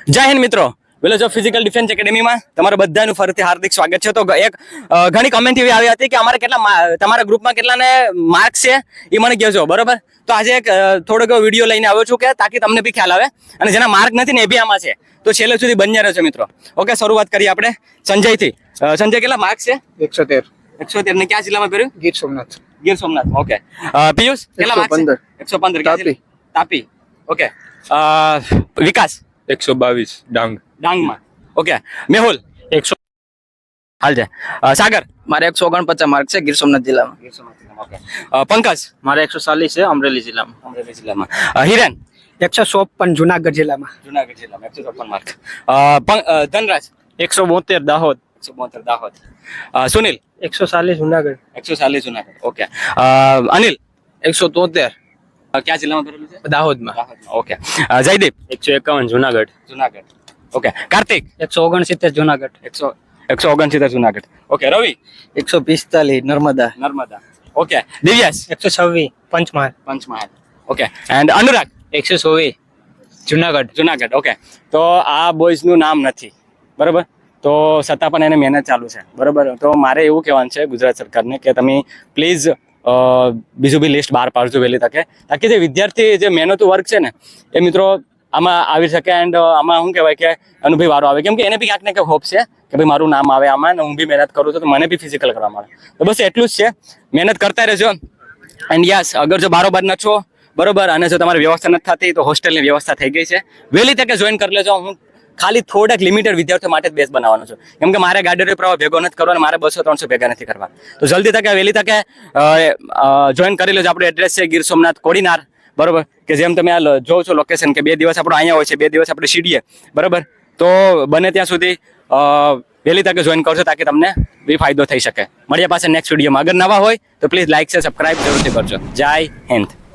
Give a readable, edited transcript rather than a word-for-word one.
જય હિન્દ મિત્રો, village of physical defence એકેડેમીમાં તમારું બધાનું ફરીથી હાર્દિક સ્વાગત છે. તો એક ઘણી કમેન્ટ એવી આવી હતી કે અમારે તમારા ગ્રુપમાં કેટલાને માર્ક્સ છે એ મને કહેજો, બરોબર? તો આજે એક થોડોક વિડીયો લઈને આવ્યો છું કે તાકી તમને બી ખ્યાલ આવે, અને જેના માર્ક નથી ને એ બી આમાં છે, તો છેલ્લે સુધી બન્યા રહેજો મિત્રો. ઓકે, શરૂઆત કરીએ આપણે સંજયથી. સંજય, કેટલા માર્ક્સ છે? 113. 113 ને ક્યાં જિલ્લામાં કર્યું? ગીર સોમનાથ. ગીર સોમનાથ. ઓકે. પિયુષ, કેટલા માર્ક્સ? 115. ક્યાં જિલ્લા? તાપી. ઓકે. વિકાસ 122 ડાંગમાં. ઓકે. મેહુલ 100. હાલ છે. સાગર મારે 149 માર્ક છે ગીર સોમનાથ જિલ્લામાં. ગીર સોમનાથ જિલ્લામાં. ઓકે. પંકજ મારે 140 છે અમરેલી જિલ્લામાં. અમરેલી જિલ્લામાં. હિરેન 154 જુનાગઢ જિલ્લામાં. જુનાગઢ જિલ્લામાં 154 માર્ક. ધનરાજ 172 દાહોદ. 172 દાહોદ. સુનિલ 140 જુનાગઢ. 140 જુનાગઢ. ઓકે. અનિલ 173 ક્યાં જિલ્લામાં કરેલું છે? દાહોદમાં. દાહોદમાં. Okay. Jaydeep 151 Junagadh. Junagadh. Okay. Kartik 169 Junagadh. 169 Junagadh. Okay. Ravi 145 Narmada. Narmada. Okay. Divyas 126 Panchmahal. Panchmahal. Okay. And Anurag 124 Junagadh. Junagadh. Okay. તો આ બોયઝનું નામ નથી, બરાબર? તો છતાં પણ એને મહેનત ચાલુ છે, બરાબર? તો મારે એવું કહેવાનું છે ગુજરાત સરકારને કે તમે પ્લીઝ બીજું બી લિસ્ટ બહાર પાડજો વહેલી તકે, તાકી જે વિદ્યાર્થી જે મહેનતું વર્ક છે ને એ મિત્રો આમાં આવી શકે. એન્ડ આમાં શું કહેવાય કે અનુભવી વારો આવે, કેમ કે એને બી ક્યાંક ને ક્યાંક હોપ છે કે ભાઈ મારું નામ આવે આમાં, ને હું બી મહેનત કરું છું તો મને બી ફિઝિકલ કરવા મળે. તો બસ એટલું જ છે, મહેનત કરતા રહેજો. એન્ડ યસ, અગર જો બારોબાર ન છો, બરોબર, અને જો તમારી વ્યવસ્થા નથી થતી તો હોસ્ટેલની વ્યવસ્થા થઈ ગઈ છે, વહેલી તકે જોઈન કરી લેજો. હું ખાલી થોડાક લિમિટેડ વિદ્યાર્થીઓ માટે જ બેસ બનાવવાનો છું, કેમ કે મારે ગાડીનો પ્રવાહ ભેગો નથી કરવાનો, મારે 200-300 ભેગા નથી કરવા. તો જલ્દી તકે વહેલી તકે જોઈન કરી લેજો. આપણું એડ્રેસ છે ગીર સોમનાથ કોડીનાર, બરોબર? કે જેમ તમે આ જોવો છો લોકેશન, કે 2 દિવસ આપણો અહીંયા હોય છે, 2 દિવસ આપણે સીડીએ, બરોબર? તો બને ત્યાં સુધી વહેલી તકે જોઈન કરશો તાકી તમને બી ફાયદો થઈ શકે. મળીએ પાછા નેક્સ્ટ વિડીયોમાં. અગર નવા હોય તો પ્લીઝ લાઈક છે, સબસ્ક્રાઇબ જરૂરથી કરજો. જય હિન્દ.